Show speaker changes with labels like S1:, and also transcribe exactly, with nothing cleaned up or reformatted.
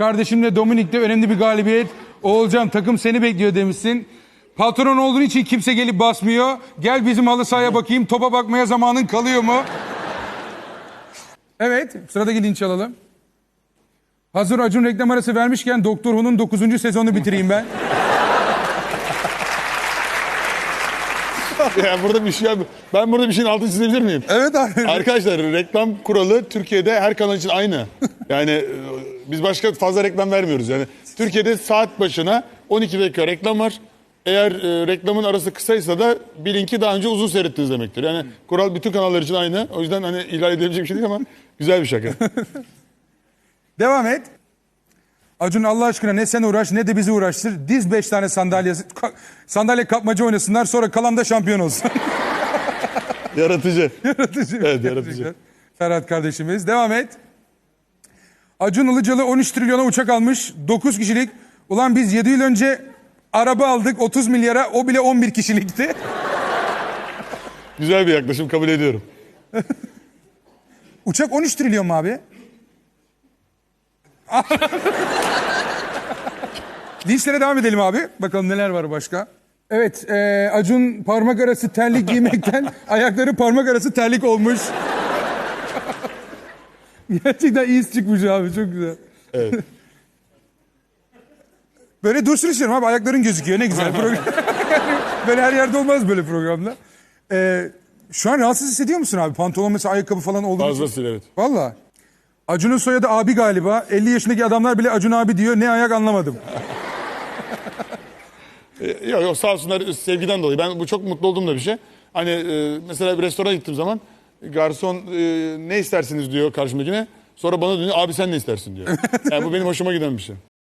S1: Kardeşimle Dominik'te önemli bir galibiyet. Oğulcan takım seni bekliyor demişsin. Patron olduğun için kimse gelip basmıyor. Gel bizim halı sahaya bakayım. Topa bakmaya zamanın kalıyor mu? Evet, sıradaki linç alalım. Hazır Acun reklam arası vermişken Doktor Who'nun dokuzuncu sezonunu bitireyim ben.
S2: Ya burada bir şey ben burada bir şeyin altını çizebilir miyim?
S1: Evet abi.
S2: Arkadaşlar reklam kuralı Türkiye'de her kanal için aynı. Yani e, biz başka fazla reklam vermiyoruz. Yani Türkiye'de saat başına on iki dakika reklam var. Eğer e, reklamın arası kısaysa da bilin ki daha önce uzun seyrettiniz demektir. Yani kural bütün kanallar için aynı. O yüzden hani ihlal edilebilecek bir şey değil ama güzel bir şaka.
S1: Devam et. Acun Allah aşkına ne sen uğraş ne de bizi uğraştır. Diz beş tane sandalye, ka- sandalye kapmaca oynasınlar sonra kalan da şampiyon olsun.
S2: Yaratıcı.
S1: Yaratıcı.
S2: Evet, yaratıcı.
S1: Ferhat kardeşimiz. Devam et. Acun Ilıcalı on üç trilyona uçak almış. dokuz kişilik. Ulan biz yedi yıl önce araba aldık otuz milyara. O bile on bir kişilikti.
S2: Güzel bir yaklaşım, kabul ediyorum.
S1: Uçak on üç trilyon mu abi? Linçlere devam edelim abi. Bakalım neler var başka. Evet, e, Acun parmak arası terlik giymekten ayakları parmak arası terlik olmuş. Gerçekten iyi çıkmış abi, çok güzel.
S2: Evet.
S1: Böyle dursun istiyorum abi, ayakların gözüküyor, ne güzel program. Böyle her yerde olmaz böyle programda. E, şu an rahatsız hissediyor musun abi? Pantolon mesela, ayakkabı falan olduğu için.
S2: Fazlasıyla evet.
S1: Valla. Acun'un soyadı abi galiba. elli yaşındaki adamlar bile Acun abi diyor. Ne ayak anlamadım.
S2: Yok yok, sağ olsunlar sevgiden dolayı. Ben bu çok mutlu olduğum da bir şey. Hani e, mesela bir restorana gittiğim zaman garson e, ne istersiniz diyor karşımdakine. Sonra bana dönüyor, abi sen ne istersin diyor. Yani bu benim hoşuma giden bir şey.